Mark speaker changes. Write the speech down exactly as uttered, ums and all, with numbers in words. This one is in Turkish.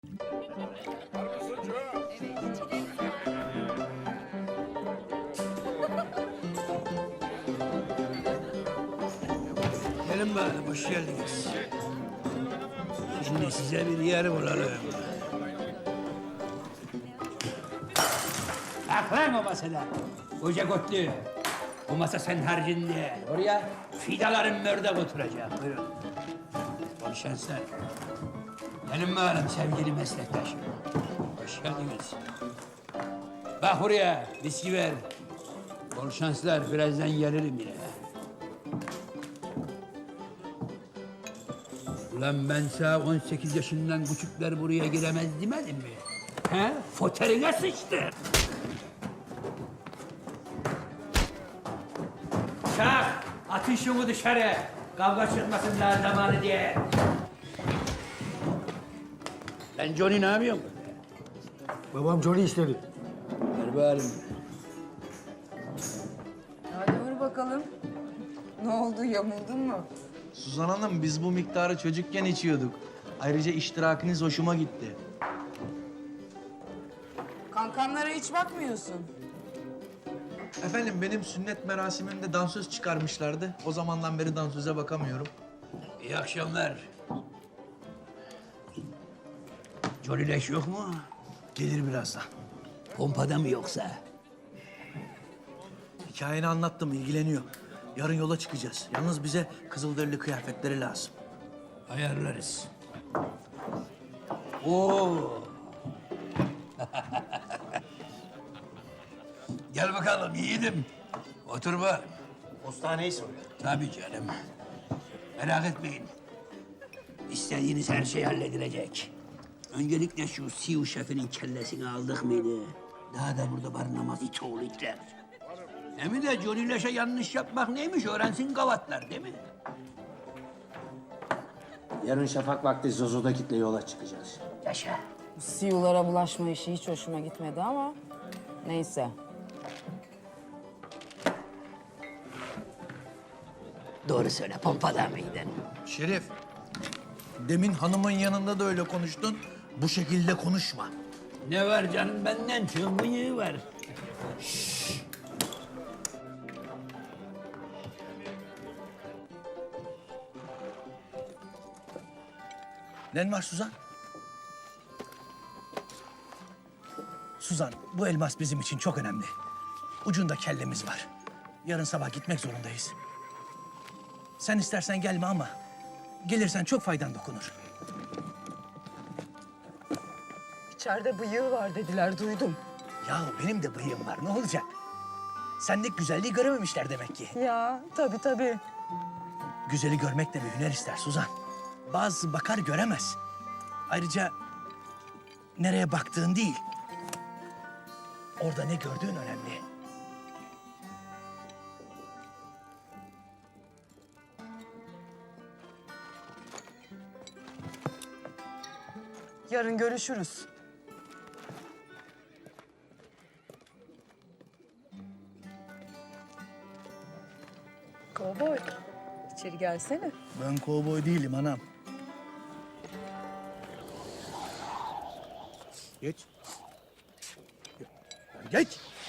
Speaker 1: Gelin bakalım, hoş geldiniz. Şimdi size bir yer bulalım. Bak lan o masada. Koca kotlu. O masa sen harcinde. Oraya fidaların mördek oturacak. Buyurun. Bol şanslar. Gelin bakalım sevgili meslektaşım. Hoş geldiniz. Bak buraya, viski ver. Bol şanslar, birazdan gelirim yine. Ulan ben sana on sekiz yaşından küçükler buraya giremez demedim mi? He? Foterine sıçtı. Çak! Atın şunu dışarı. Kavga çıkmasın daha zamanı diye. Lan Johnny ne yapıyorsun?
Speaker 2: Babam Johnny istedi.
Speaker 1: Ver bağırın.
Speaker 3: Hadi vur bakalım. Ne oldu, yamuldun mu?
Speaker 4: Suzan Hanım, biz bu miktarı çocukken içiyorduk. Ayrıca iştirakiniz hoşuma gitti.
Speaker 3: Kankanlara hiç bakmıyorsun.
Speaker 4: Efendim, benim sünnet merasimimde dansöz çıkarmışlardı. O zamandan beri dansöze bakamıyorum.
Speaker 1: İyi akşamlar. Johnny leş yok mu?
Speaker 4: Gelir birazdan.
Speaker 1: Pompada mı yoksa?
Speaker 4: Hikayeni anlattım, ilgileniyor. Yarın yola çıkacağız. Yalnız bize kızılderili kıyafetleri lazım.
Speaker 1: Ayarlarız. Oo. Gel bakalım yiğidim. Otur bak.
Speaker 4: Postaneyi soruyor.
Speaker 1: Tabii canım. Merak etmeyin. İstediğiniz her şey halledilecek. Öncelikle şu Siu şefinin kellesini aldık mıydı? Daha da burada barınamaz it oğlu itler. Hem de Johnny Leş'e yanlış yapmak neymiş öğrensin gavatlar değil mi?
Speaker 2: Yarın şafak vakti Zozo'da kitle yola çıkacağız.
Speaker 1: Yaşa.
Speaker 3: Bu siyulara bulaşma işi hiç hoşuma gitmedi ama neyse.
Speaker 1: Doğru söyle, pompada mıydın?
Speaker 4: Şerif, demin hanımın yanında da öyle konuştun. Bu şekilde konuşma.
Speaker 1: Ne var canım benden çok bıyığı var.
Speaker 4: Ne var Suzan? Suzan, bu elmas bizim için çok önemli. Ucunda kellemiz var. Yarın sabah gitmek zorundayız. Sen istersen gelme ama gelirsen çok faydan dokunur.
Speaker 3: İçeride bıyığı var dediler, duydum.
Speaker 4: Ya benim de bıyığım var, ne olacak? Sendeki güzelliği görememişler demek ki.
Speaker 3: Ya tabii tabii.
Speaker 4: Güzeli görmek de bir hüner ister Suzan. Bazı bakar göremez. Ayrıca nereye baktığın değil, orada ne gördüğün önemli.
Speaker 3: Yarın görüşürüz. Kovboy, içeri gelsene.
Speaker 4: Ben kovboy değilim anam. Geç. Geç.